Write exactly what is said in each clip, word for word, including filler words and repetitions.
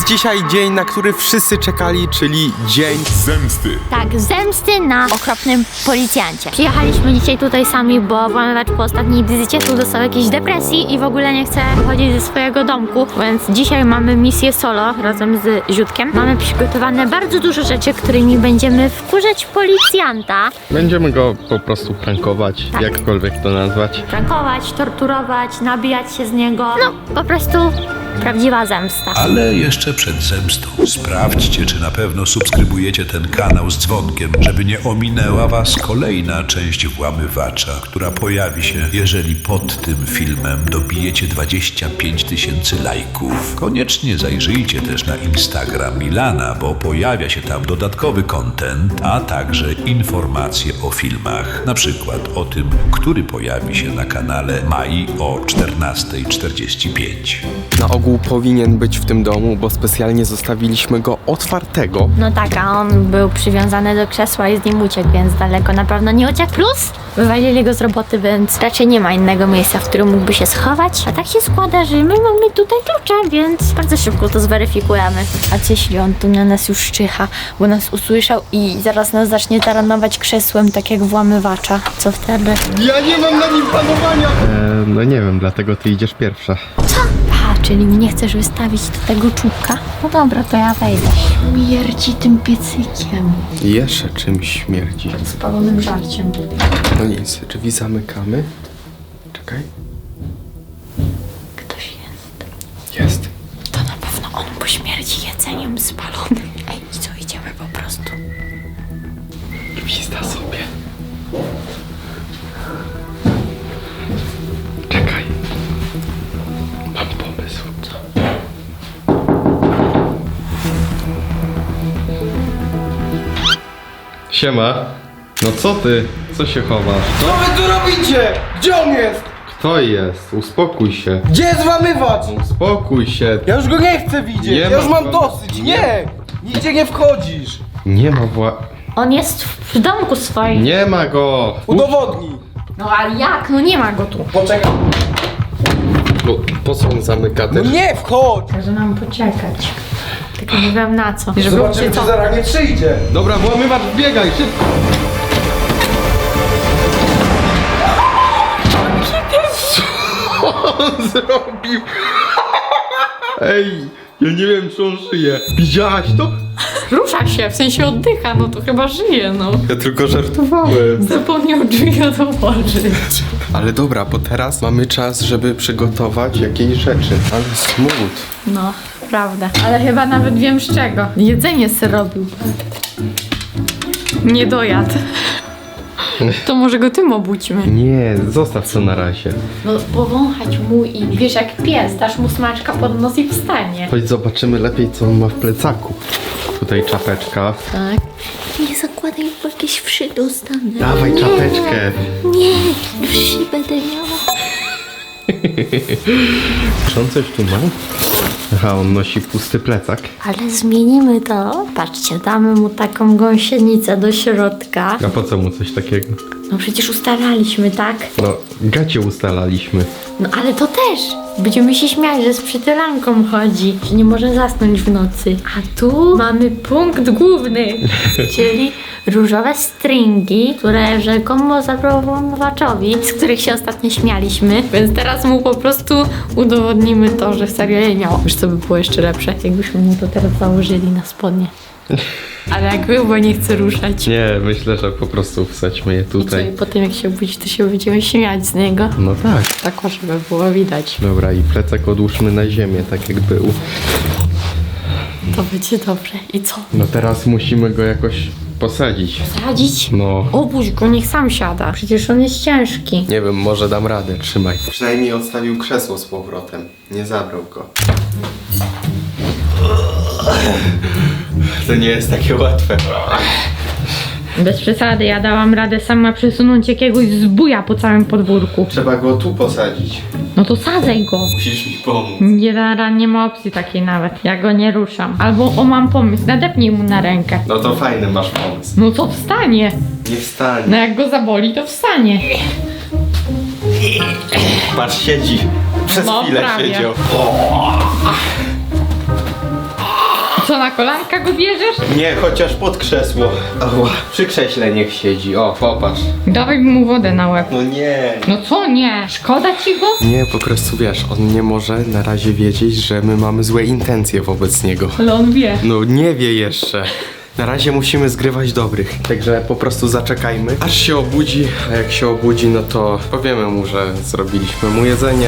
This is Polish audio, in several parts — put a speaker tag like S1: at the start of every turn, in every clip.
S1: Jest dzisiaj dzień, na który wszyscy czekali, czyli dzień zemsty.
S2: Tak, zemsty na okropnym policjancie. Przyjechaliśmy dzisiaj tutaj sami, bo włamywacz po ostatniej wizycie tu dostał jakiejś depresji i w ogóle nie chce wychodzić ze swojego domku, więc dzisiaj mamy misję solo razem z Ziutkiem. Mamy przygotowane bardzo dużo rzeczy, którymi będziemy wkurzać policjanta.
S1: Będziemy go po prostu prankować,
S2: Tak.
S1: jakkolwiek to nazwać.
S2: Prankować, torturować, nabijać się z niego. No, po prostu prawdziwa zemsta.
S3: Ale jeszcze przed zemstą sprawdźcie, czy na pewno subskrybujecie ten kanał z dzwonkiem, żeby nie ominęła was kolejna część Włamywacza, która pojawi się, jeżeli pod tym filmem dobijecie dwadzieścia pięć tysięcy lajków. Koniecznie zajrzyjcie też na Instagram Milana, bo pojawia się tam dodatkowy content, a także informacje o filmach. Na przykład o tym, który pojawi się na kanale Mai o czternasta czterdzieści pięć.
S1: Na ogół powinien być w tym domu, bo specjalnie zostawiliśmy go otwartego.
S2: No tak, a on był przywiązany do krzesła i z nim uciekł, więc daleko na pewno nie uciekł. Plus wywalili go z roboty, więc raczej nie ma innego miejsca, w którym mógłby się schować. A tak się składa, że my mamy tutaj klucze, więc bardzo szybko to zweryfikujemy. A co jeśli on tu na nas już szczyha, bo nas usłyszał i zaraz nas zacznie taranować krzesłem, tak jak włamywacza? Co wtedy?
S1: Ja nie mam na nim panowania! Eee, no nie wiem, dlatego ty idziesz pierwsza.
S2: Co? A, czyli nie chcesz wystawić do tego czubka? No dobra, to ja wejdę. Śmierdzi tym piecykiem.
S1: Jeszcze czymś śmierdzi.
S2: Spalonym żarciem.
S1: No nic, drzwi zamykamy. Czekaj.
S2: Ktoś jest.
S1: Jest.
S2: To na pewno on po śmierci jedzeniem spalonym. Ej, co, idziemy po prostu.
S1: Gwizda sobie. Czekaj. Mam pomysł. Co? Siema. No co ty? Co się chowasz?
S4: Co wy tu robicie? Gdzie on jest?
S1: Kto jest? Uspokój się.
S4: Gdzie jest włamywacz?
S1: Uspokój się.
S4: Ja już go nie chcę widzieć,
S1: Nie
S4: ja
S1: ma
S4: już mam
S1: włamy-
S4: dosyć, nie! Nigdzie nie wchodzisz!
S1: Nie ma wła...
S2: On jest w domku swoim.
S1: Nie ma go!
S4: Udowodnij!
S2: No ale jak? No nie ma go tu.
S4: Poczekaj.
S1: Po, po co on zamyka
S4: No
S1: też?
S4: nie wchodź!
S2: Każe nam poczekać. Tylko nie wiem na co. Żeby
S4: Zobaczymy, czy zaraz nie przyjdzie.
S1: Dobra, włamywacz, biegaj, szybko! Co on zrobił? Ej, ja nie wiem, czy on żyje. Widziałaś to?
S5: Rusza się, w sensie oddycha, no to chyba żyje, no.
S1: Ja tylko żartowałem.
S5: Zapomniał drzwi otworzyć.
S1: Ale dobra, bo teraz mamy czas, żeby przygotować jakieś rzeczy. Ale smut.
S5: No, prawda. Ale chyba nawet wiem z czego. Jedzenie se robił. Nie dojadł. To może go tym obudźmy.
S1: Nie, zostaw to na razie.
S5: No, powąchać mu i wiesz jak pies, dasz mu smaczka pod nos i wstanie.
S1: Chodź zobaczymy lepiej, co on ma w plecaku. Tutaj czapeczka.
S5: Tak.
S2: Nie zakładaj, bo jakieś wszy dostanę.
S1: Dawaj czapeczkę.
S2: Nie, wszy będę miała.
S1: Czy on coś tu ma? Aha, on nosi pusty plecak.
S2: Ale zmienimy to. Patrzcie, damy mu taką gąsienicę do środka.
S1: A po co mu coś takiego?
S2: No przecież ustalaliśmy, tak?
S1: No, gacie ustalaliśmy.
S2: No ale to też. Będziemy się śmiać, że z przytylanką chodzi, że nie może zasnąć w nocy. A tu mamy punkt główny, czyli różowe stringi, które rzekomo zabrał włamywaczowi, z których się ostatnio śmialiśmy.
S5: Więc teraz mu po prostu udowodnimy to, że serio je miał. Wiesz co by było jeszcze lepsze?
S2: Jakbyśmy mu to teraz założyli na spodnie.
S5: Ale jak był, bo nie chce ruszać.
S1: Nie, myślę, że po prostu wsadźmy je
S5: I co, i
S1: tutaj.
S5: potem jak się obudzi, to się będziemy śmiać z niego.
S1: No tak.
S5: Tak, żeby było widać.
S1: Dobra, i plecak odłóżmy na ziemię, tak jak był.
S5: To będzie dobrze. I co?
S1: No teraz musimy go jakoś posadzić.
S2: Sadzić?
S1: No.
S5: Obuź go, niech sam siada.
S2: Przecież on jest ciężki.
S1: Nie wiem, może dam radę, trzymaj. Przynajmniej odstawił krzesło z powrotem. Nie zabrał go. To nie jest takie łatwe.
S5: Bez przesady, ja dałam radę sama przesunąć jakiegoś zbuja po całym podwórku.
S1: Trzeba go tu posadzić.
S5: No to sadzaj go.
S1: Musisz mi pomóc.
S5: Nie, da- nie ma opcji takiej nawet. Ja go nie ruszam. Albo o, mam pomysł, nadepnij mu na rękę.
S1: No to fajny masz pomysł.
S5: No to wstanie.
S1: Nie wstanie.
S5: No jak go zaboli, to wstanie.
S1: Patrz, siedzi. Przez
S5: No,
S1: chwilę
S5: prawie.
S1: siedział.
S5: Co, na kolanka go bierzesz?
S1: Nie, chociaż pod krzesło. Ała, przy krześle niech siedzi. O, popatrz.
S5: Dawaj mu wodę na łeb.
S1: No nie.
S5: No co nie? Szkoda ci go?
S6: Nie, po prostu wiesz, on nie może na razie wiedzieć, że my mamy złe intencje wobec niego.
S5: Ale on wie.
S6: No nie wie jeszcze. Na razie musimy zgrywać dobrych. Także po prostu zaczekajmy, aż się obudzi. A jak się obudzi, no to powiemy mu, że zrobiliśmy mu jedzenie.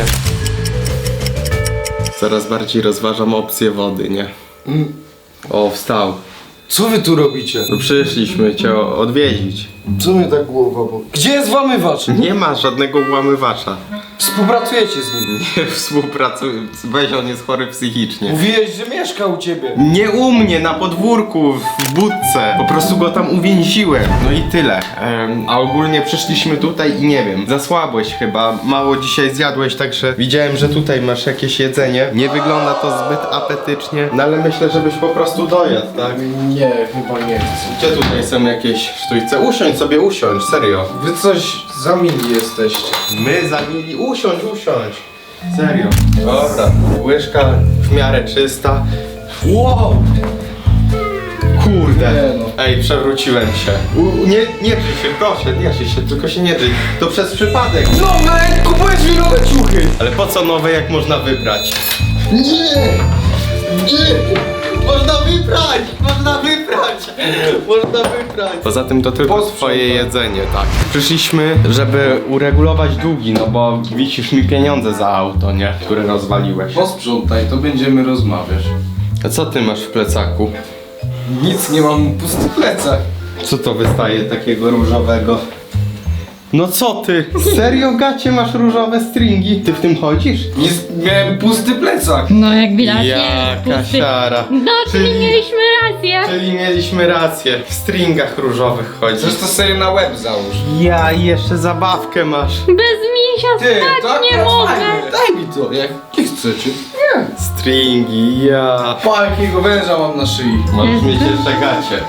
S6: Coraz bardziej rozważam opcję wody, nie? O, wstał.
S4: Co wy tu robicie?
S6: No przyszliśmy cię odwiedzić.
S4: Co mnie tak głowa boli? Gdzie jest włamywacz?
S6: Nie ma żadnego włamywacza.
S4: Współpracujecie z nim.
S6: Nie współpracuj. Weź, on jest chory psychicznie.
S4: Mówiłeś, że mieszka u ciebie.
S6: Nie u mnie, na podwórku, w budce. Po prostu go tam uwięziłem. No i tyle. Em, a ogólnie przyszliśmy tutaj i nie wiem, zasłabłeś chyba, mało dzisiaj zjadłeś, także widziałem, że tutaj masz jakieś jedzenie. Nie wygląda to zbyt apetycznie, no ale myślę, żebyś po prostu dojadł, tak?
S4: Nie, chyba nie chcę.
S6: Gdzie tutaj są jakieś sztućce? Usiądź sobie, usiądź, serio.
S4: Wy coś za mili jesteście.
S6: My za mili, usiądź, usiądź. Serio. Dobra, łyżka w miarę czysta. Wow! Kurde.
S4: Nie no.
S6: Ej, przewróciłem się. U, nie, nie drzyj się, proszę, nie drzyj się, tylko się nie drzyj. To przez przypadek.
S4: Nowe! Kupujesz mi nowe ciuchy!
S6: Ale po co nowe, jak można wybrać?
S4: Nie! Nie!
S6: Można wybrać! Można wybrać! Można wybrać! Poza tym to tylko
S4: Posprzątaj.
S6: twoje jedzenie, tak. Przyszliśmy, żeby uregulować długi, no bo wisisz mi pieniądze za auto, nie? Które rozwaliłeś.
S4: Posprzątaj, to będziemy rozmawiać.
S6: A co ty masz w plecaku?
S4: Nic nie mam, pusty plecak.
S6: Co to wystaje takiego różowego? No co ty? Serio, gacie, masz różowe stringi? Ty w tym chodzisz?
S4: Nie, miałem pusty plecak.
S5: No jak widać
S6: Jaka
S5: jest pusty.
S6: siara.
S5: No, czyli
S6: Czyli-
S5: mieliśmy rację.
S6: Czyli mieliśmy rację, w stringach różowych chodzisz.
S4: Zresztą sobie na łeb załóż.
S6: Ja i jeszcze zabawkę masz.
S5: Bez misia
S4: Ty,
S5: spać
S4: to
S5: nie
S4: akurat
S5: mogę.
S4: fajne. Daj mi to, jak nie chcecie. Nie.
S6: Stringi, ja.
S4: Pa, jakiego węża mam na szyi.
S6: Możesz mieć jeszcze gacie.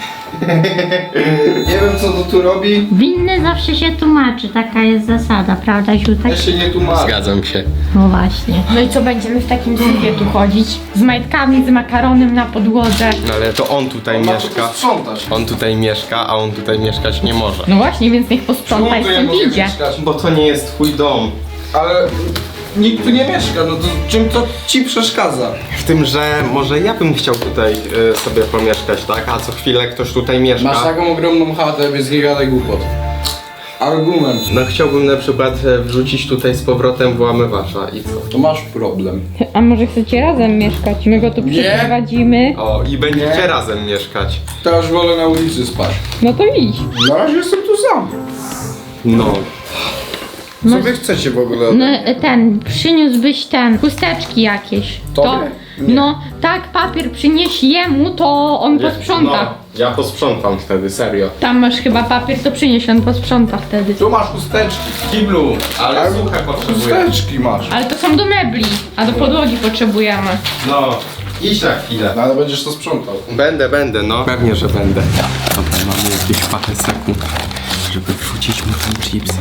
S4: Nie wiem, co to tu robi.
S2: Winny zawsze się tłumaczy, taka jest zasada, prawda, Ziutek?
S4: Ja się nie tłumaczę.
S6: Zgadzam się.
S2: No właśnie.
S5: No i co, będziemy w takim sypie tu chodzić? Z majtkami, z makaronem na podłodze.
S6: No ale to on tutaj
S4: Ma to
S6: mieszka.
S4: posprzątać.
S6: On tutaj mieszka, a on tutaj mieszkać nie może.
S5: No właśnie, więc niech posprząta i
S4: Czemu tu ja
S5: stąd
S4: mogę
S5: idzie.
S4: mieszkać?
S6: Bo to nie jest twój dom.
S4: Ale nikt tu nie mieszka, no to czym to ci przeszkadza?
S6: W tym, że może ja bym chciał tutaj y, sobie pomieszkać, tak? A co chwilę ktoś tutaj mieszka.
S4: Masz taką ogromną chatę, więc nie gadaj głupot. Argument.
S6: No chciałbym na przykład e, wrzucić tutaj z powrotem włamywacza i co?
S4: To masz problem.
S5: A może chcecie razem mieszkać? My go tu
S4: Nie.
S5: przyprowadzimy.
S6: O, i będziecie
S4: Nie.
S6: razem mieszkać.
S4: To już wolę na ulicy spać.
S5: No to idź.
S4: Na razie jestem tu sam.
S6: No.
S4: Co wy chcecie w ogóle?
S5: No ten, przyniósłbyś ten, chusteczki jakieś.
S4: Tobie? Nie.
S5: No, tak, papier przynieś jemu, to on posprząta.
S6: No, ja posprzątam wtedy, serio.
S5: Tam masz chyba papier, to przynieś, on posprząta wtedy.
S4: Tu masz chusteczki.
S6: Kiblu, ale
S4: Ale
S6: suche potrzebuję.
S4: Chusteczki masz.
S5: Ale to są do mebli, a do podłogi potrzebujemy.
S6: No, idź na chwilę.
S4: No ale będziesz to sprzątał.
S6: Będę, będę, no. Pewnie, że będę. Dobra, mamy jakieś parę sekund, żeby wrzucić mu tam chipsa.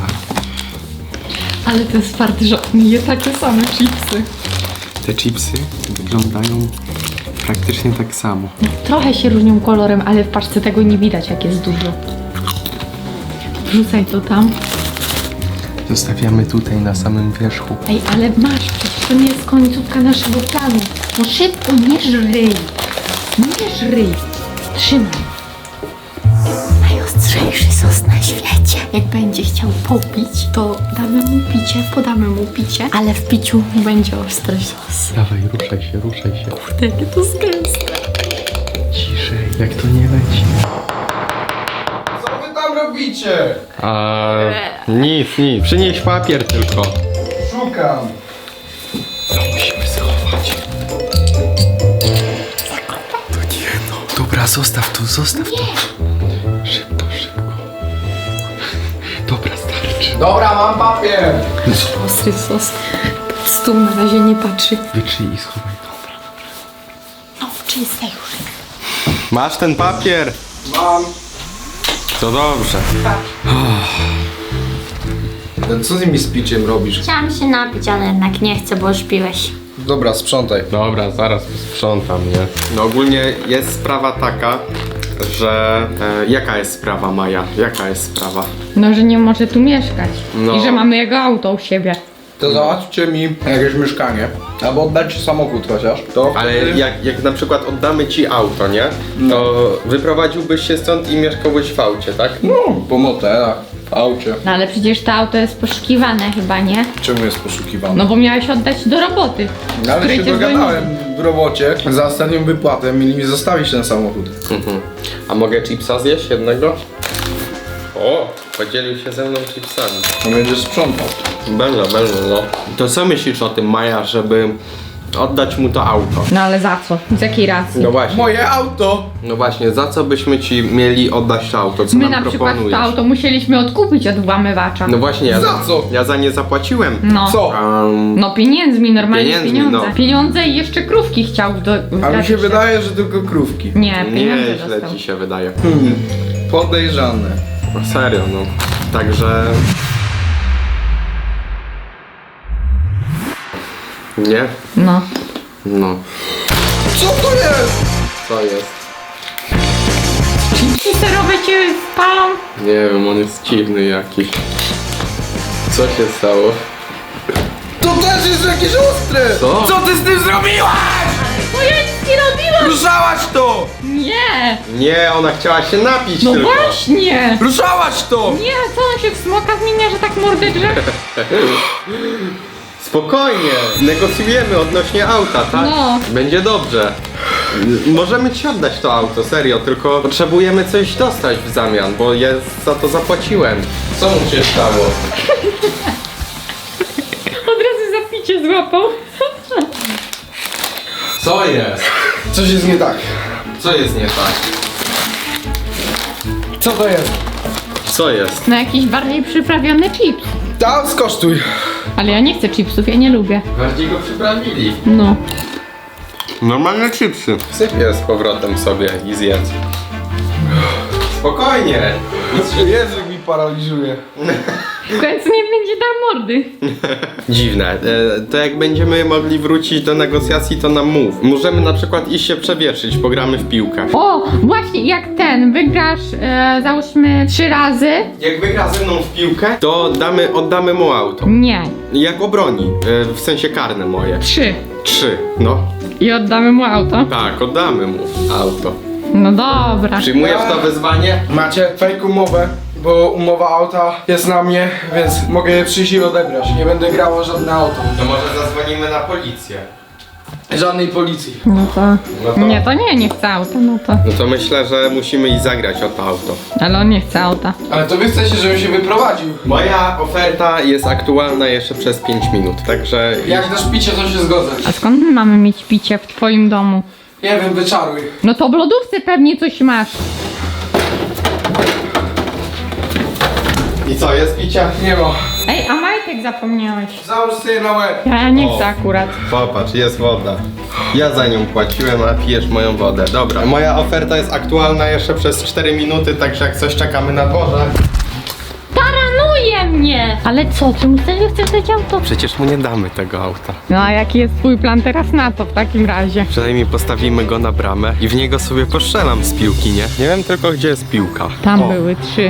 S5: Ale to jest fart, że on je takie same chipsy.
S6: Te chipsy wyglądają praktycznie tak samo.
S5: Trochę się różnią kolorem, ale w paczce tego nie widać, jak jest dużo. Wrzucaj to tam.
S6: Zostawiamy tutaj na samym wierzchu.
S5: Ej, ale masz, przecież to nie jest końcówka naszego planu. No szybko, nie żryj. Nie żryj. Trzymaj.
S2: Najostrzejszy sos na świecie. Jak będzie chciał popić, to damy mu picie, podamy mu picie, ale w piciu będzie ostry sos.
S6: Dawaj, ruszaj się, ruszaj się.
S2: Kurde, jakie to jest gęste.
S6: Ciszej, jak to nie leci.
S4: Co wy tam robicie?
S6: A nic, nic. Przynieś papier tylko.
S4: Szukam.
S6: To musimy schować. To nie no. Dobra, zostaw to, zostaw to. Szybko, szybko. Dobra, starczy.
S4: Dobra, mam papier.
S2: Ostry sos. Pod stół na razie nie patrzy.
S6: Wytrzyj i schowaj to.
S2: No, czyste już.
S6: Masz ten papier.
S4: Mam.
S6: To dobrze.
S4: Co ty mi z piciem robisz?
S2: Chciałam się napić, ale jednak nie chcę, bo już piłeś.
S4: Dobra, sprzątaj.
S6: Dobra, zaraz sprzątam, nie? No ogólnie jest sprawa taka, że... E, jaka jest sprawa, Maja? Jaka jest sprawa?
S5: No, że nie może tu mieszkać.
S6: No.
S5: I że mamy jego auto u siebie.
S4: To załatwcie mi jakieś mieszkanie. Albo oddajcie samochód chociaż. To
S6: Ale
S4: wtedy-
S6: jak, jak na przykład oddamy ci auto, nie? To wyprowadziłbyś się stąd i mieszkałbyś w aucie, tak?
S4: No, po motelach, w aucie.
S5: No ale przecież to auto jest poszukiwane chyba, nie?
S4: Czemu jest poszukiwany?
S5: No bo miałeś oddać do roboty.
S4: No, ale
S5: której
S4: się
S5: cię
S4: dogadałem w robocie. Za ostatnią wypłatę mieli mi zostawić ten samochód.
S6: Mhm. A mogę chipsa zjeść jednego? O, podzielił się ze mną chipsami.
S4: To będziesz sprzątał.
S6: Będę, będę, no. To co myślisz o tym, Maja, żeby oddać mu to auto?
S5: No ale za co? Z jakiej racji?
S6: No właśnie,
S4: Moje auto!
S6: no właśnie, za co byśmy ci mieli oddać to auto? Co
S5: My
S6: nam
S5: na przykład
S6: proponujesz?
S5: to auto musieliśmy odkupić od włamywacza.
S6: No właśnie, ja
S4: Za co?
S6: Ja za nie zapłaciłem.
S5: No.
S4: Co?
S6: Um,
S5: No pieniędzmi, normalnie
S6: Pieniędzmi,
S5: pieniądze.
S6: no.
S5: Pieniądze i jeszcze krówki chciał do...
S4: A mi
S5: dać
S4: się
S5: jeszcze.
S4: wydaje, że tylko krówki.
S5: Nie, pieniądze
S6: nie, źle
S5: dostał.
S6: ci się wydaje.
S4: Hmm. Podejrzane.
S6: No serio, no. Także... Nie?
S5: No.
S6: No.
S4: Co to jest?
S6: Co jest?
S5: Chipsy serowe cię spalą?
S6: Nie wiem, on jest dziwny jakiś. Co się stało?
S4: To też jest jakieś ostre!
S6: Co?
S4: Co ty z tym zrobiłaś?
S5: No ja nic nie robiłam!
S4: Ruszałaś to!
S5: Nie!
S6: Nie, ona chciała się napić
S5: No
S6: tylko.
S5: właśnie!
S4: Ruszałaś to!
S5: Nie, co on się w smoka zmienia, że tak mordę drze?
S6: Spokojnie, negocjujemy odnośnie auta, tak?
S5: No.
S6: Będzie dobrze. M- Możemy ci oddać to auto, serio, tylko potrzebujemy coś dostać w zamian, bo ja za to zapłaciłem. Co mu się stało?
S5: Od razu zapicie złapał.
S6: Co jest?
S4: Coś jest nie tak.
S6: Co jest nie tak?
S4: Co to jest?
S6: Co jest?
S5: No jakiś bardziej przyprawiony chips.
S4: Tam skosztuj.
S5: Ale ja nie chcę chipsów, ja nie lubię.
S6: Bardziej go przyprawili.
S5: No.
S6: Normalne chipsy. Syp je z powrotem sobie i zjedz. Spokojnie.
S4: Język mi paraliżuje.
S5: W końcu nie będzie dał mordy.
S6: Dziwne. E, to jak będziemy mogli wrócić do negocjacji, to nam mów. Możemy na przykład iść się przewietrzyć, pogramy w piłkę.
S5: O, właśnie jak ten, wygrasz e, załóżmy trzy razy.
S6: Jak wygra ze mną w piłkę, to damy, oddamy mu auto.
S5: Nie,
S6: Jak obroni, e, w sensie karne moje.
S5: trzy.
S6: Trzy, no.
S5: I oddamy mu auto.
S6: Tak, oddamy mu auto.
S5: No dobra.
S6: Przyjmujesz to wyzwanie?
S4: Macie fake umowę, bo umowa auta jest na mnie, więc mogę je przyjść i odebrać. Nie będę grało żadne auto.
S6: To może zadzwonimy na policję.
S4: Żadnej policji.
S5: No to...
S6: No to-
S5: Nie, to nie, nie chce auta, no to...
S6: No to myślę, że musimy i zagrać o to auto.
S5: Ale on nie chce auta.
S4: Ale to wy chcecie, żebym się wyprowadził.
S6: Moja oferta jest aktualna jeszcze przez pięć minut, także...
S4: Jak dasz picie, to się zgodzę.
S5: A skąd my mamy mieć picie w twoim domu?
S4: Nie wiem, wyczaruj.
S5: No to w lodówce pewnie coś masz.
S6: I co, jest picia?
S4: Nie ma.
S5: Ej, a majtek zapomniałeś.
S4: Załóż sobie na łeb.
S5: Ja nie
S6: O.
S5: chcę akurat.
S6: Popatrz, jest woda. Ja za nią płaciłem, a pijesz moją wodę. Dobra, moja oferta jest aktualna jeszcze przez cztery minuty, także jak coś czekamy na dworze.
S5: Taranuje mnie! Ale co, ty mu serio chcesz dać auto?
S6: Przecież mu nie damy tego auta.
S5: No a jaki jest twój plan teraz na to w takim razie?
S6: Przynajmniej postawimy go na bramę i w niego sobie postrzelam z piłki, nie? Nie wiem tylko, gdzie jest piłka.
S5: Tam
S6: O.
S5: były trzy.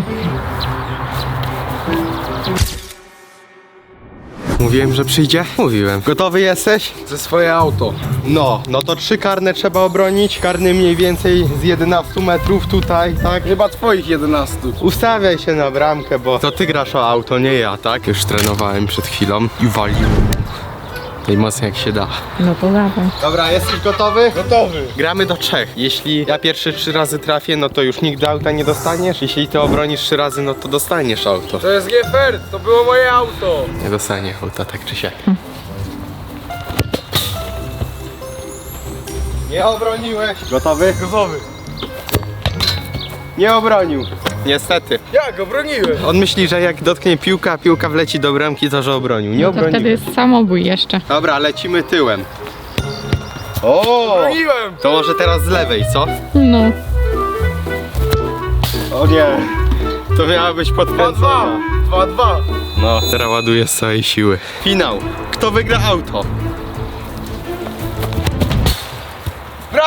S6: Mówiłem, że przyjdzie? Mówiłem. Gotowy jesteś?
S4: Ze swoje auto.
S6: No, no to trzy karne trzeba obronić. Karny mniej więcej z jedenastu metrów tutaj, tak?
S4: Chyba twoich jedenastu.
S6: Ustawiaj się na bramkę, bo to ty grasz o auto, nie ja, tak? Już trenowałem przed chwilą i walił. Najmocniej jak się da.
S5: No to dawaj.
S6: Dobra, jesteś gotowy?
S4: Gotowy.
S6: Gramy do trzech. Jeśli ja pierwszy trzy razy trafię, no to już nigdy auta nie dostaniesz. Jeśli ty obronisz trzy razy, no to dostaniesz auto.
S4: To jest nie fair, to było moje auto.
S6: Nie dostanie auta, tak czy siak. Nie obroniłeś. Gotowy?
S4: Gotowy.
S6: Nie obronił. Niestety.
S4: Jak, obroniłem.
S6: On myśli, że jak dotknie piłka, a piłka wleci do bramki, to że obronił. Nie
S5: No to
S6: obronił.
S5: wtedy jest samobój jeszcze.
S6: Dobra, lecimy tyłem. O!
S4: Obroniłem.
S6: To może teraz z lewej, co?
S5: No.
S6: O nie. To miała być podkręcona.
S4: dwa dwa.
S6: No, teraz ładuję z całej siły. Finał. Kto wygra auto?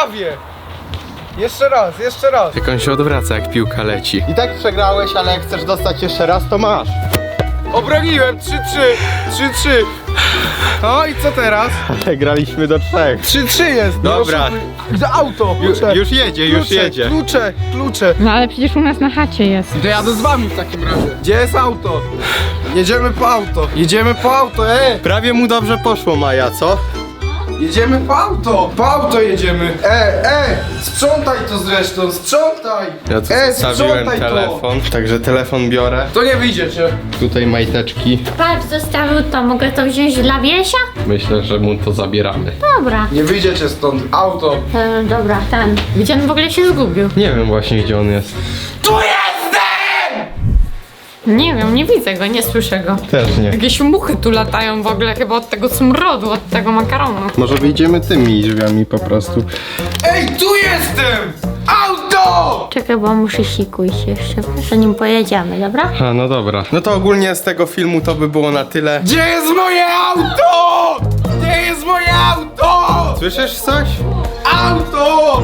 S4: prawie. Jeszcze raz, jeszcze raz.
S6: Jak on się odwraca, jak piłka leci. I tak przegrałeś, ale jak chcesz dostać jeszcze raz, to masz.
S4: Obroniłem, trzy trzy, trzy trzy. No i co teraz?
S6: Ale graliśmy do trzech.
S4: trzy trzy jest.
S6: Dobra.
S4: Za auto.
S6: Ju,
S4: Klucze.
S6: już jedzie, już
S4: Klucze,
S6: jedzie.
S4: Klucze, klucze.
S5: No ale przecież u nas na chacie jest.
S4: To jadę z wami w takim razie. Gdzie jest auto? Jedziemy po auto. Jedziemy po auto, e!
S6: Prawie mu dobrze poszło, Maja, co?
S4: Jedziemy po auto. Po auto jedziemy. E, e! Sprzątaj to zresztą, sprzątaj!
S6: Ja tu
S4: e,
S6: zostawiłem
S4: sprzątaj
S6: telefon, także telefon biorę.
S4: To. To nie wyjdziecie.
S6: Tutaj majteczki.
S2: Patrz, zostawił to, mogę to wziąć dla Wiesia?
S6: Myślę, że mu to zabieramy.
S2: Dobra.
S4: Nie wyjdziecie stąd. Auto.
S2: E, dobra, ten. Gdzie on w ogóle się zgubił?
S6: Nie wiem właśnie, gdzie on jest.
S4: Tu jestem!
S5: Nie wiem, nie widzę go, nie słyszę go.
S6: Też nie.
S5: Jakieś muchy tu latają w ogóle chyba od tego smrodu, od tego makaronu.
S6: Może wyjdziemy tymi drzwiami po prostu.
S4: Ej, tu jestem! Auto!
S2: Czekaj, bo muszę sikuj się jeszcze, że nim pojedziemy, dobra?
S6: A, no dobra. No to ogólnie z tego filmu to by było na tyle.
S4: Gdzie jest moje auto? Gdzie jest moje auto?
S6: Słyszysz coś?
S4: Auto!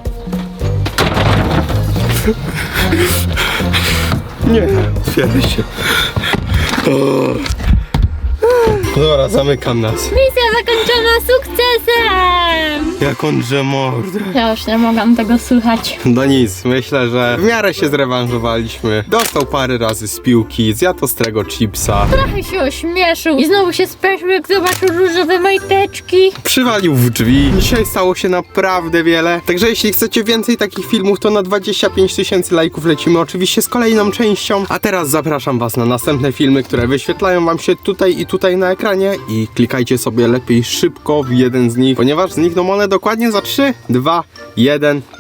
S6: Nie, otwieraj się. O. Dobra, zamykam nas.
S2: Misja zakończona sukcesem!
S6: Jak on drze mordę.
S2: Ja już nie mogłam tego słuchać.
S6: No nic, myślę, że w miarę się zrewanżowaliśmy. Dostał parę razy z piłki, zjadł ostrego chipsa.
S2: Trochę się ośmieszył i znowu się spieszył, jak zobaczył różowe majteczki.
S6: Przywalił w drzwi. Dzisiaj stało się naprawdę wiele. Także jeśli chcecie więcej takich filmów, to na dwadzieścia pięć tysięcy lajków lecimy oczywiście z kolejną częścią. A teraz zapraszam was na następne filmy, które wyświetlają wam się tutaj i tutaj na ekranie. I klikajcie sobie lepiej szybko w jeden z nich, ponieważ znikną one dokładnie za trzy, dwa, jeden.